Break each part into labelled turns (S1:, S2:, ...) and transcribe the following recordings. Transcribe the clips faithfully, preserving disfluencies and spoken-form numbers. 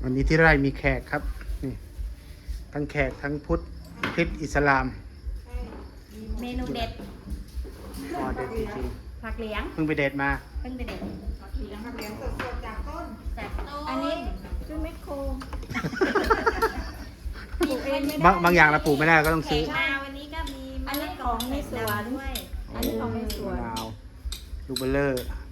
S1: วันนี้ที่ไร่มีแขกครับนี่ทั้งแขกทั้งพุทธคริสต์อิสลาม
S2: เมนูเด็ด
S1: อ๋อเด็ดจริง
S2: ผักเหลียง
S1: ๆเพิ่งไปเด็ดมา
S2: เพิ่งไปเด็ด
S3: ผักเหลียงผักเหลียงสดๆจากต้น
S2: จากต้น
S3: อันนี้ซื้อแมคโคร
S2: ปลูกเองไม่ได้
S1: บางบางอย่างเราปลูกไม่ได้ก็ต้อง
S2: แข
S1: ซื้อก
S2: มาวันนี้ก็มี
S3: อันนี้ของในสวน
S2: ด้วย
S3: อันนี้ของในสวน
S1: มะนาวลูกเบลเลอร์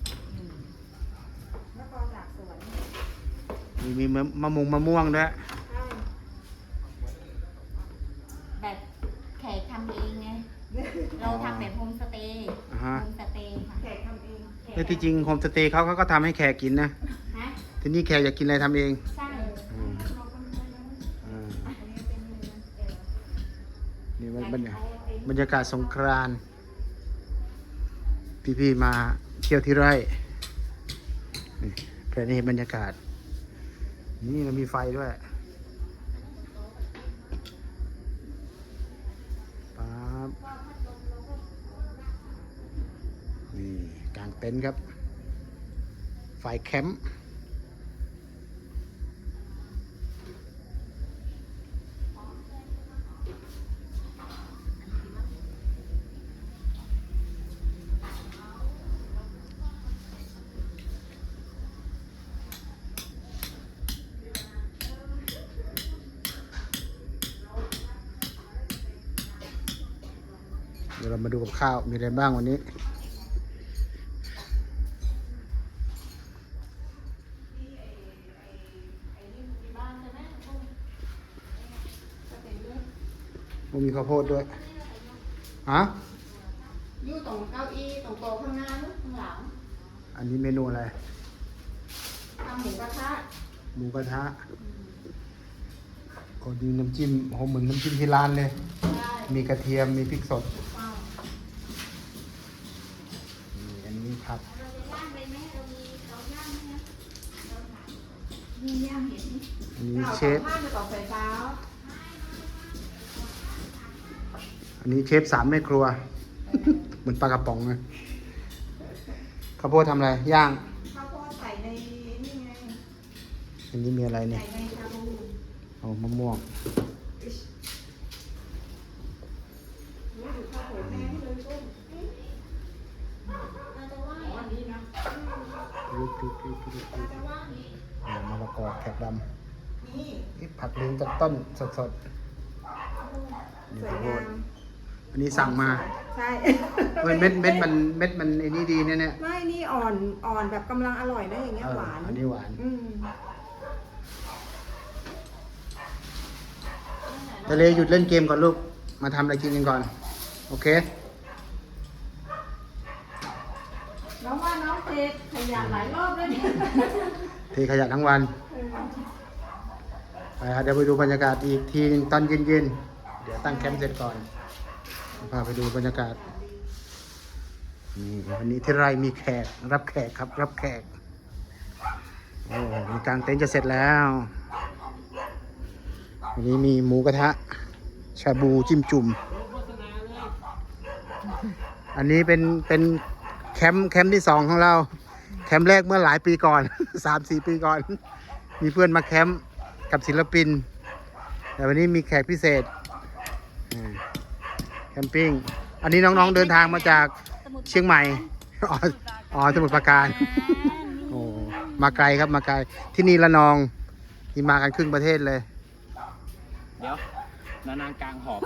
S3: แล้วก็จากสวน
S1: มีมีมะมะม่วงมะม่วงด้วย
S3: ใช่
S2: แบบแขกทำเองไงเราทำแบบโฮมสเตย์
S1: อ่าฮะ
S2: โฮมสเตย์ค่ะ
S3: แขกทำเอง
S1: แล้วที่จริงโฮมสเตย์เขาเขาก็ทำให้แขกกินนะ
S2: ฮะ
S1: ทีนี้แขกอยากกินอะไรทำเอง
S2: ใช่
S1: อืม
S3: เราก็ไม่ได้
S1: อ่า
S3: อันนี้เป็นเนื้อเออ
S1: นี่บรรยากาศบรรยากาศสงกรานต์พี่ๆมาเที่ยวที่ไร่นี่แค่นี้บรรยากาศ นี่เรามีไฟด้วยป๊าบนี่กางเต็นท์ครับ ไฟแคมป์เดี๋ยวเรามาดูกับข้าว มีอะไรบ้างวันนี้ มีข้าวโพดด้วยฮะ
S3: อยู่ตรงเก้าอี้ตรงโต๊ะข้างหน้านู้นข้างหลัง
S1: อันนี้เมนูอะไร
S3: ทำหมูกระทะ
S1: หมูกระทะก็ดีน้ำจิ้มโหเหมือนน้ำจิ้มที่ร้านเลย
S3: ได้
S1: มีกระเทียม มีพริกสด
S3: อ้าว
S1: นี่อันนี้ผัก
S2: เราจะย่างเลยไหมเรามีเราย่างไหม
S3: นี่ย่างเห็น
S1: อันนี้เชฟ
S3: ผ้าไปต่อไฟฟ้า
S1: อันนี้เชฟสามแม่ครัว เหมือนปลากระป๋องนะข้าวโพดทำอะไร ย่าง
S3: ข้าวโพดใส่ในนี่ไง
S1: อันนี้มีอะไรเนี่
S3: ใส่
S1: ย
S3: ในชาบู
S1: โอ้มะม่วง
S3: รู้อยู่ข้าวโพดแห้งเลยต้น
S2: เราจะว่า
S3: อ๋ออันนี้นะ
S1: ลุกลุกลุกลุกลุก
S3: แต่ว่านี่
S1: อ่ามะละกอแขกด
S3: นี่
S1: ำนี่ผักลิงจากต้นสดๆนี่
S3: สว
S1: ข้า
S3: ยว
S1: โพ
S3: งา
S1: ด
S3: ม
S1: อันนี้สั่งมา
S3: ใช่
S1: เฮ้ยเม็ดเม็ดมันเม็ดมันไอ้นี่ดีเนี่ยเนี่ย
S3: ไม่นี่อ่อนอ่อนแบบกำลังอร่อยนะอย่างเงี้ย
S1: เออ
S3: หวาน
S1: อันนี้หวาน
S3: อืม
S1: ทะเลหยุดเล่นเกมก่อนลูก มาทำอะไรกินกันก่อน โอเค
S3: น้องว่าน้องเทขยันหลายรอบแล้วเนี่ย
S1: เทขยะทั้งวัน ไปครับเดี๋ยวไปดูบรรยากาศอีกทีหนึงตอนเย็นๆ เดี๋ยวตั้งแคมป์เสร็จก่อนพาไปดูบรรยากาศ นี่วันนี้ที่ไร่มีแขก รับแขกครับ รับแขก โอ้มีกางเต็นท์จะเสร็จแล้ว วันนี้มีหมูกระทะ ชาบูจิ้มจุ่ม อันนี้เป็นเป็นแคมป์แคมป์ที่สองของเรา แคมป์แรกเมื่อหลายปีก่อน สามสี่ปีก่อน มีเพื่อนมาแคมป์กับศิลปิน แต่วันนี้มีแขกพิเศษอ่าแคมปิ้ง อันนี้น้องๆเดินทางมาจากเชียงใหม่ อ๋ออ๋อสมุทรปราการ โอ้มาไกลครับมาไกล ที่นี่ละนองที่มากันครึ่งประเทศเลย
S4: เดี๋ยวนานางกลางหอบ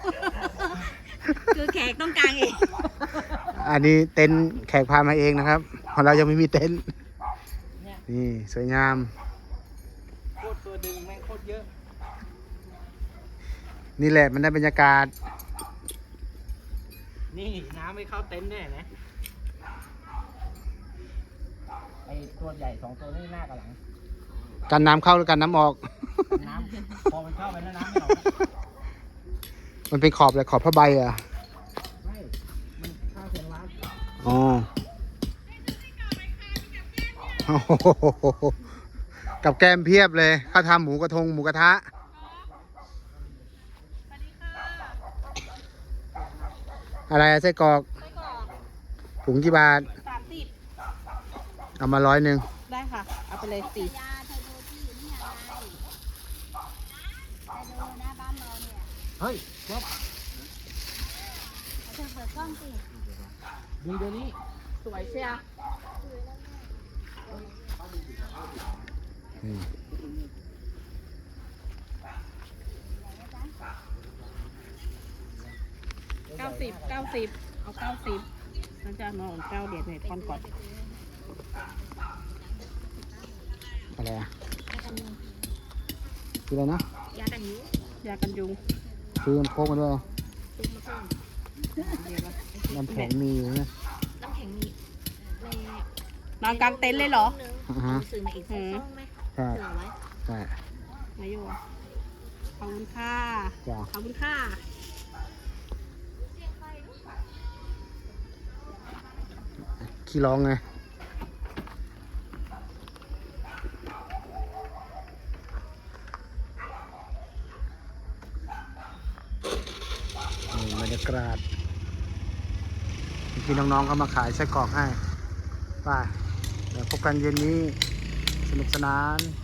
S2: คือแขกต้องการเอง
S1: อันนี้เต็นท์แขกพามาเองนะครับของเรายังไม่มีเต็นท์
S4: เนี่ย
S1: นี่สวยงาม
S4: โคตรตัวดึงแม่งโคตรเยอะ
S1: นี่แหละมันได้บรรยากาศ
S4: นี่น้ำไม่เข้าเต็นท์แน่นะไอตัวใหญ่สองตัวนี่หน้ากับหลัง
S1: กันน้ำเข้าหรือกันน้ำออก
S4: น้ำพอมันเข้าไปแล้วน้ำไม่ออกแล้ว
S1: มันเป็นขอบเลยขอบผ้าใบอ่ะ
S4: ไม่ มันเข้าเซนวัด
S1: อ๋อโอ้โหกับแกมเพียบเลยข้าวทำหมูกระทงหมูกระทะ อะไรอะไส้กรอก
S2: ไส้กรอก
S1: ถุงกี่บาท
S2: สามสิบ
S1: เอามาร้อยหนึ่ง
S3: ได้ค่ะ เอาไปเลยสี่
S2: ยาเทอร์โบที่อยู่นี่อะไร
S1: เฮ้ยครับ
S2: เธอเปิดกล้องสิ
S4: ดูเดี๋ยวนี้
S2: สวยเชียว
S1: อืม
S3: เก้าสิบเก้าสิบเอาเก้าสิบนั่นจะนอนเก้าเดียดในพอนก่อน
S1: อะไรอ่ะคืออะไรนะ
S2: ยากันยุ
S3: ยากันยุง
S1: ซื้อน้ำโค้กมาด้วย
S2: ซื้อมาเพิ่ม
S3: เดี๋ยวนะ
S1: น้ำแข็งมีอยู่นะ
S2: น้ำแข็งมีใน
S3: นอนกลางเต็นท์เลยเหรอ
S1: อ่าฮะ
S2: ซื้อมาอีกสักซองไหม
S1: ใช่
S2: เผื่อไว้
S1: ใช่
S3: มาอยู่ขอบคุณค่ะ
S1: จ้ะ
S3: ขอบคุณค่ะ
S1: ขี้ร้องไงนี่บรรยากาศเมื่อกี้น้องๆเขามาขายไส้กรอกให้ไป่เดี๋ยวพบกันเย็นนี้สนุกสนาน